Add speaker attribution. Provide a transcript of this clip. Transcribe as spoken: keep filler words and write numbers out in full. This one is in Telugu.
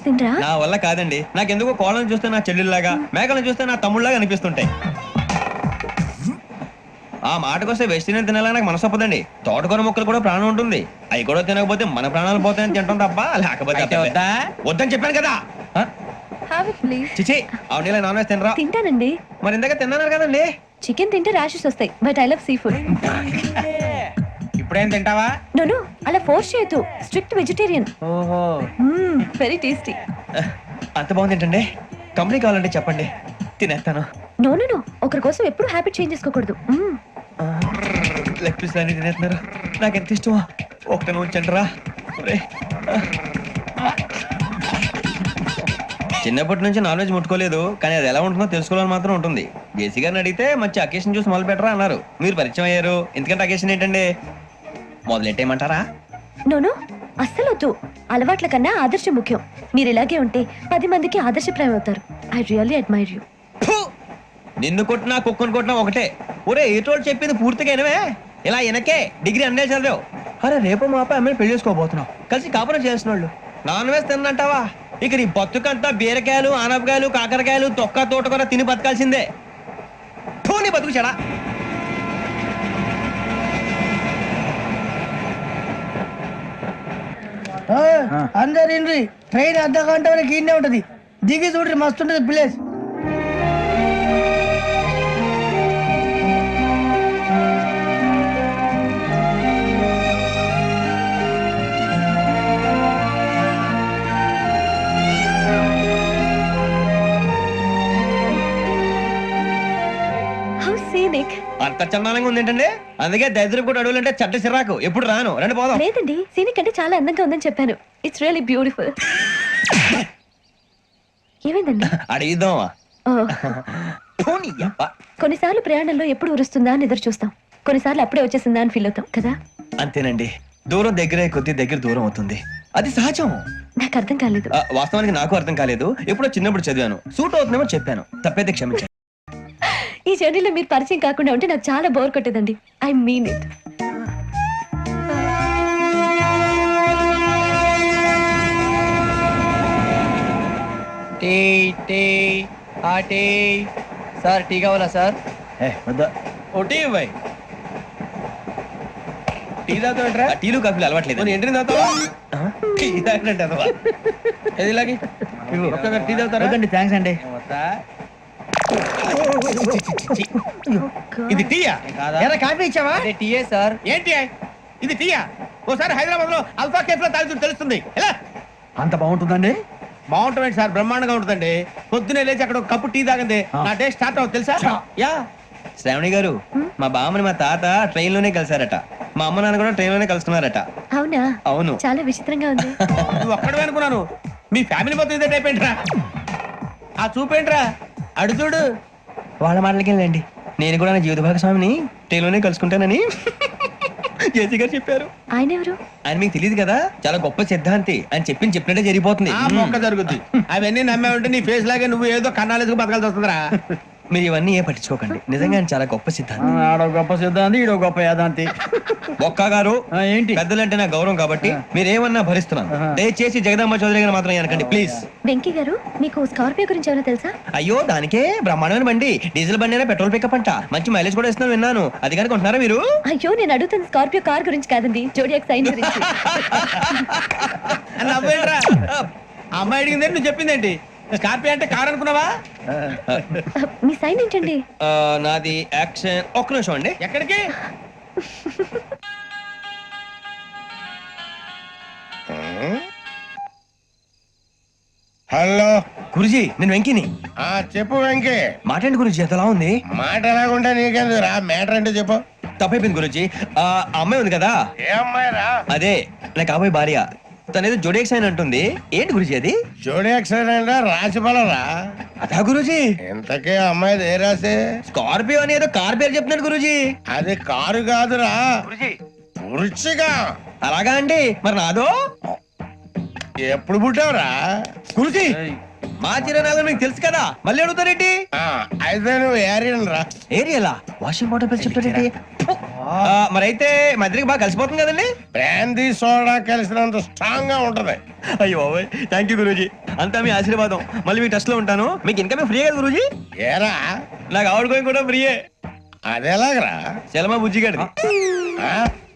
Speaker 1: తినరా?
Speaker 2: నా వల్ల కాదండి. నాకెందుకో కోళ్ళని చూస్తే నా చెల్లెల్లాగా, మేకలను చూస్తే నా తమ్ముళ్ళలాగా అనిపిస్తుంటాయి. ఆ మాటకొస్తే వెస్టిరియన్ తినాలని నాకు మనసు ఒప్పదండి. తోటకూర మొక్కలు కూడా ప్రాణం ఉంటుంది. అవి కూడా తినకపోతే మన ప్రాణాలు పోతాయని తింటాం తప్ప లేకపోతే వద్దా వద్దని చెప్పాను కదా.
Speaker 1: Have it, please.
Speaker 2: చిచి అవునీ నాన్ వెజ్ తినరా?
Speaker 1: తింటానండి.
Speaker 2: మరి ఇందాక తిన్నాను కదండి.
Speaker 1: చికెన్ తింటే ర్యాషెస్ వస్తాయి, but I love seafood.
Speaker 3: ఇప్పుడేం తింటావా?
Speaker 1: నో నో, అలా ఫోర్స్ చేయొద్దు. Strict vegetarian.
Speaker 2: ఓహో,
Speaker 1: వెరీ టేస్టీ.
Speaker 2: అంత బాగుంది ఏంటండి? కంపెనీ కావాలంటే చెప్పండి, తినేస్తాను.
Speaker 1: నో నో నో, ఒకరి కోసం ఎప్పుడు హ్యాబిట్ చేంజ్ చేసుకోకూడదు.
Speaker 2: లెగ్ పీస్ అన్ని తినేస్తున్నారు. నాకు ఎంత ఇష్టమో ఒకటే ఉంచండి రా. చిన్నప్పటి నుంచి నాన్ వెజ్ ముట్టుకోలేదు, కానీ అది ఎలా ఉంటుందో తెలుసుకోవాలని మాత్రం ఉంటుంది. జేసీ గారిని అడిగితే మంచి అకేషన్ చూసి మొదలు పెట్టరా అన్నారు. మీరు పరిచయం అయ్యారు, ఎందుకంటే అకేషన్ ఏంటండి? మొదలెట్టేయమంటారా?
Speaker 1: నో నో, అస్సలు వద్దు. అలవాట్ల కన్నా ఆదర్శం ముఖ్యం. మీరు ఇలాగే ఉంటే పది మందికి ఆదర్శప్రాయం అవుతారు. I really admire you.
Speaker 2: నిన్ను కొట్టినా కుక్కను కొట్టినా ఒకటే. ఒరే ఏటోళ్ళు చెప్పింది పూర్తిగా వినవే. ఇలా వెనకే డిగ్రీ అన్నే చదివావు. అరే రేపు మా అబ్బాయి అమ్మని పెళ్లి చేసుకోబోతున్నావు, కలిసి కాపురం చేసిన వాళ్ళు. నాన్ వెజ్ తిన్నంటావా? ఇక నీ బతుకంతా బీరకాయలు, ఆనపకాయలు, కాకరకాయలు, తొక్క తోట కూడా తిని బతకాల్సిందే. నీ బతుకు చెడా.
Speaker 4: అందరు ఇండ్రి, ట్రైన్ అర్ధ గంట వరకు ఇన్నే ఉంటది. దిగి చూడ్రి, మస్తు ఉంటది ప్లేస్.
Speaker 2: అంత చందానంగా ఉంది ఏంటండి? అందుకే దరిద్రం కూడా అడవులంటే చెడ్డ చిరాకు. ఎప్పుడు రాను, రండి పోదాం.
Speaker 1: లేదండి, సీనిక్ అంటే చాలా అందంగా ఉందని చెప్పాను. It's really beautiful. ఏమైందండి?
Speaker 2: అడిగిద్దామా?
Speaker 1: కొన్నిసార్లు ప్రయాణంలో ఎప్పుడు ఉరుస్తుందా అని ఎదురు చూస్తాం, కొన్నిసార్లు అప్పుడే వచ్చేసిందా అని ఫీల్ అవుతాం కదా.
Speaker 2: అంతేనండి, దూరం దగ్గరే కొద్ది దగ్గర దూరం అవుతుంది. అది సహజం.
Speaker 1: నాకు అర్థం కాలేదు.
Speaker 2: వాస్తవానికి నాకు అర్థం కాలేదు. ఎప్పుడో చిన్నప్పుడు చదివాను, సూట్ అవుతుందేమో చెప్పాను. తప్పైతే క్షమించండి.
Speaker 1: ఈ జర్నీలో మీరు పరిచయం కాకుండా ఉంటే నాకు చాలా బోర్ కొట్టేదండి. I mean it.
Speaker 3: Tea tea ఆ టీ సార్, టీ కావాలా సార్?
Speaker 2: ఓ టీ ఇవ్వాయి. టీ తాగుతాంట్రా? టీలు కాఫీలు అలవాట్లేదు. ఏంటి తాగుతావా? టీ తాగినట్టు అదవా? ఏది ఇలాగే ఒక్కగారు టీ తాగుతారా?
Speaker 3: థ్యాంక్స్ అండి.
Speaker 2: ఇది టీయా?
Speaker 4: కాఫీ ఇచ్చావా?
Speaker 3: టీయే సార్.
Speaker 2: ఏంటి ఇది టీయా? ఓసారి హైదరాబాద్ లో అల్ఫా కేఫ్ లో తాగుతూ తెలుస్తుంది. ఎలా
Speaker 3: అంత బాగుంటుందండి?
Speaker 2: బాగుంటుంది సార్, బ్రహ్మాండంగా ఉంటుందండి. పొద్దునే లేచి అక్కడ ఒక కప్పు టీ తాగండి, నా డే స్టార్ట్ అవుతుంది తెలుసా? యా శ్రావణి గారు, మా బామ్మని మా తాత ట్రైన్ లోనే కలిసారట. మా అమ్మ నాన్న కూడా ట్రైన్ లోనే కలుస్తున్నారట.
Speaker 1: అవునా?
Speaker 2: అవును.
Speaker 1: చాలా విచిత్రంగా ఉంది.
Speaker 2: నువ్వు ఒక్కడే అనుకున్నాను, మీ ఫ్యామిలీ మొత్తం ఇదే టైప్ ఏంట్రా? ఆ చూపేంట్రా, అడు చూడు. వాళ్ళ మాటలకి వెళ్ళండి. నేను కూడా నా జీవిత భాగస్వామిని ట్రైన్ లోనే కలుసుకుంటానని జేసీ గారు చెప్పారు.
Speaker 1: ఆయన ఎవరు?
Speaker 2: ఆయన మీకు తెలియదు కదా, చాలా గొప్ప సిద్ధాంతి అని చెప్పి చెప్పినట్టే జరిగిపోతుంది. మొక్క జరుగుద్ది. అవన్నీ నమ్మే ఉంటే నీ ఫేస్ లాగే నువ్వు ఏదో కన్నాలేసుకు బతకాల్సి వస్తుందిరా. మీరు ఇవన్నీ ఏ పట్టించుకోకండి, నిజంగా ఆయన చాలా గొప్ప సిద్ధాంతి.
Speaker 3: ఆడో గొప్ప సిద్ధాంతి, ఈడో గొప్ప యాదాంతి.
Speaker 2: ఒక్క గారు
Speaker 3: ఏంటి?
Speaker 2: పెద్దలంటే నా గౌరవం కాబట్టి మీరేమన్నా భరిస్తున్నాను. దయచేసి జగదాంబ చౌదరి గారు మాత్రం అనకండి ప్లీజ్.
Speaker 1: వెంకీ గారు, మీకు స్కార్పియో గురించి ఏమైనా తెలుసా?
Speaker 2: అయ్యో దానికే బ్రహ్మాండమైన బండి, డీజిల్ బండి అయినా పెట్రోల్ పికప్ అంట, మంచి మైలేజ్ కూడా ఇస్తున్నాను విన్నాను. అది కానీ కొంటున్నారా మీరు?
Speaker 1: అయ్యో నేను అడుగుతుంది స్కార్పియో కార్ గురించి కాదండి, జోడియాక్ సైన్ గురించి.
Speaker 2: అమ్మాయి అడిగింది నువ్వు చెప్పిందేంటి? స్కార్పియో అంటే కార్ అనుకున్నావా?
Speaker 1: మీ సైన్ ఏంటండి?
Speaker 2: నాది యాక్షన్. ఒక్క నిమిషం అండి. ఎక్కడికి?
Speaker 5: హలో
Speaker 2: గురుజీ, నేను వెంకిని.
Speaker 5: ఆ చెప్పు వెంకీ.
Speaker 2: మాట్లాడి గురుజీ, ఎంతలా ఉంది?
Speaker 5: మాట ఎలాగుంటా నీకెందుకు రా, మ్యాటర్ అంటే చెప్పు.
Speaker 2: తప్పైపోయింది గురుజీ. ఆ అమ్మాయి ఉంది కదా,
Speaker 5: ఏ అమ్మాయి రా?
Speaker 2: అదే నా కాబోయే భార్య. తనేదో జోడియాక్ సైన్ అంటుంది. ఏంటి గురుజీ అది?
Speaker 5: జోడియాక్ సైన్ అంటే రాసి బలరా?
Speaker 2: అదా గురుజీ.
Speaker 5: ఇంతకే అమ్మాయి ఏ రాసి?
Speaker 2: స్కార్పియో అని ఏదో కార్ పేరు చెప్తున్నాడు గురుజీ.
Speaker 5: అది కారు కాదురా, వృచ్చిగా.
Speaker 2: అలాగా అండి, మరి నాదో?
Speaker 5: ఎప్పుడు పుట్టావురా?
Speaker 2: గురుజీ మా చిరునాలు మీకు తెలుసు కదా, మళ్ళీ అడుగుతారేంటి?
Speaker 5: ఆ, అయితే నువ్వు ఏరియన్ రా.
Speaker 2: ఏరియలా? వాషింగ్ వాటర్ పేరు చెప్తారేంటి? ఆ, మరైతే మధ్యకి బాగా కలిసిపోతుంది కదండి.
Speaker 5: బ్రాందీ సోడా కలిసినంత స్ట్రాంగ్ గా ఉంటది.
Speaker 2: అయ్యో థ్యాంక్ యూ గురూజీ, అంతా మీ ఆశీర్వాదం. మళ్ళీ మీ టెస్ట్ లో ఉంటాను. మీకు ఇంకా ఫ్రీ కదా గురూజీ?
Speaker 5: ఏరా
Speaker 2: నాకు ఆవిడ గోయింగ్ కూడా ఫ్రీయే.
Speaker 5: అదేలాగరా?
Speaker 2: చలమా బుజ్జి గారి
Speaker 5: ఆ?